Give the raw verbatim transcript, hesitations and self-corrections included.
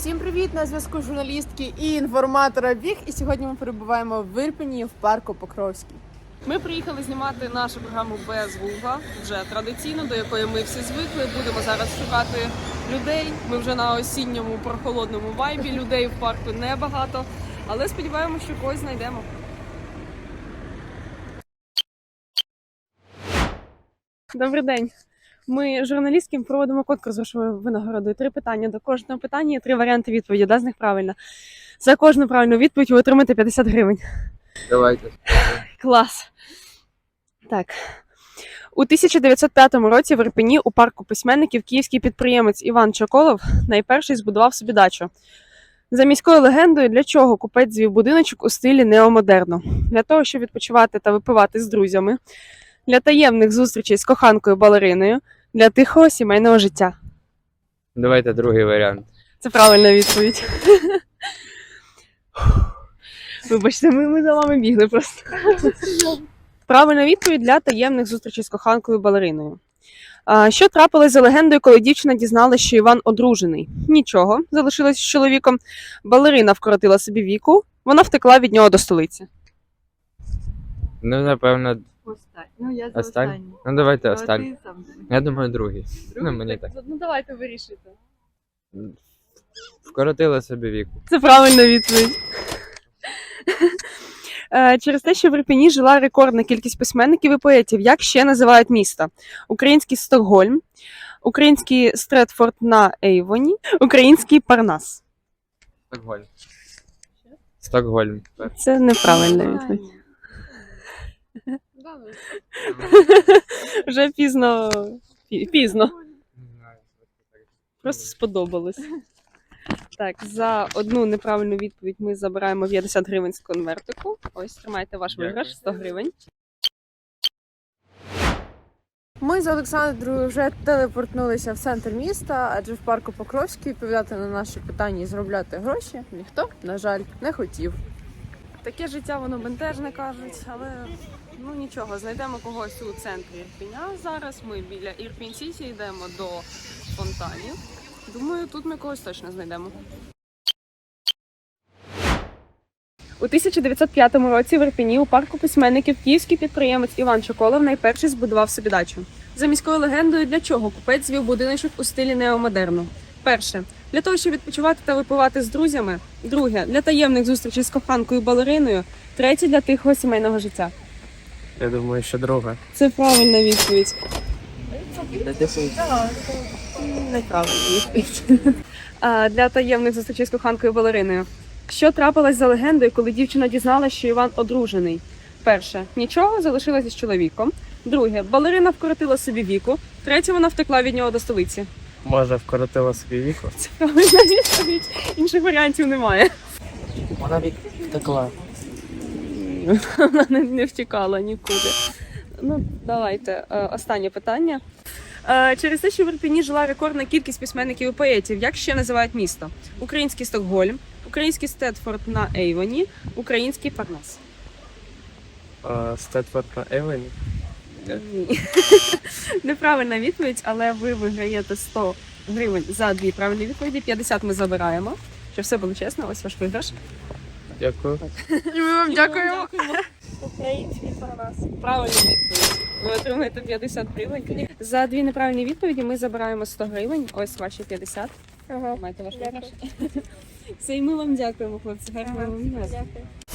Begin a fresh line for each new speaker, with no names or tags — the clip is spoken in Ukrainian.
Всім привіт! На зв'язку журналістки і інформатора Біг. І сьогодні ми перебуваємо в Ірпені в парку Покровський.
Ми приїхали знімати нашу програму без Гугла, вже традиційно, до якої ми всі звикли. Будемо зараз шукати людей. Ми вже на осінньому прохолодному вайбі. Людей в парку небагато, але сподіваємося, що когось знайдемо. Добрий день. Ми журналістки проводимо конкурс грошової винагороди. Три питання. До кожного питання є три варіанти відповіді. Одна з них правильна. За кожну правильну відповідь ви отримаєте п'ятдесят гривень.
Давайте.
Клас. Так. У тисяча дев'ятсот п'ятому році в Ірпені у парку письменників київський підприємець Іван Чоколов найперший збудував собі дачу. За міською легендою, для чого купець звів будиночок у стилі неомодерну? Для того, щоб відпочивати та випивати з друзями, для таємних зустрічей з коханкою-балериною, для тихого сімейного життя.
Давайте другий варіант.
Це правильна відповідь. Вибачте, ми, ми за вами бігли просто. Правильна відповідь для таємних зустрічей з коханкою-балериною. А, що трапилось за легендою, коли дівчина дізналася, що Іван одружений? Нічого, залишилась з чоловіком. Балерина вкоротила собі віку, вона втекла від нього до столиці.
Ну, напевно,
Останній. Ну, я за
останній.
останній.
Ну, давайте
А
останній.
ти сам думай.
Я думаю, другий.
Другий?
Ну, мені так.
Ну давайте вирішуйте.
Вкоротила собі віку.
Це правильна відповідь. Е, Через те, що в Ірпені жила рекордна кількість письменників і поетів, як ще називають міста? Український Стокгольм, український Стретфорд на Ейвоні, український Парнас.
Стокгольм. Стокгольм.
Це неправильна відповідь. Вже пізно. пі- Пізно. Просто сподобалось. Так, за одну неправильну відповідь ми забираємо п'ятдесят гривень з конвертику. Ось, тримайте ваш
Дякую.
виграш, сто гривень.
Ми з Олександрою вже телепортнулися в центр міста, адже в парку Покровський відповідати на наші питання і заробляти гроші ніхто, на жаль, не хотів.
Таке життя, воно бентежне, кажуть, але ну нічого, знайдемо когось у центрі Ірпеня. Зараз ми біля Ірпінь-Сіті йдемо до фонтанів. Думаю, тут ми когось точно знайдемо. У тисяча дев'ятсот п'ятому році в Ірпені у парку письменників київський підприємець Іван Чоколов найперший збудував собі дачу. За міською легендою, для чого купець звів будиночок у стилі неомодерну? Перше. Для того, щоб відпочивати та випивати з друзями. Друге. Для таємних зустрічей з коханкою-балериною. Третє. Для тихого сімейного життя.
Я думаю, що друга.
Це правильна відповідь. Неправильна відповідь. А, Для таємних зустрічей з коханкою-балериною. Що трапилось за легендою, коли дівчина дізналася, що Іван одружений? Перше. Нічого, залишилася з чоловіком. Друге. Балерина вкоротила собі віку. Третє. Вона втекла від нього до столиці.
Може, вкоротила собі віку?
Це правильна відповідь. Інших варіантів немає.
Вона вік втекла.
Вона не, не втікала нікуди. Ну, давайте. Е, Останнє питання. Е, Через те, що в Ірпені жила рекордна кількість письменників і поетів, як ще називають місто? Український Стокгольм, український Стетфорд на Ейвоні, український Парнас.
Стетфорд на Евені?
Ні. Неправильна відповідь, але ви виграєте сто гривень за дві правильні відповіді. п'ятдесят ми забираємо. Щоб все було чесно, ось ваш виграш.
Дякую.
І ми вам дякуємо.
Український Парнас. Правильна відповідь. Ви отримаєте п'ятдесят гривень. За дві неправильні відповіді ми забираємо сто гривень. Ось ваші п'ятдесят.
Ага.
Маєте ваш виграш. Це і ми вам дякуємо, хлопці. Гарного вам дня.
Дякую.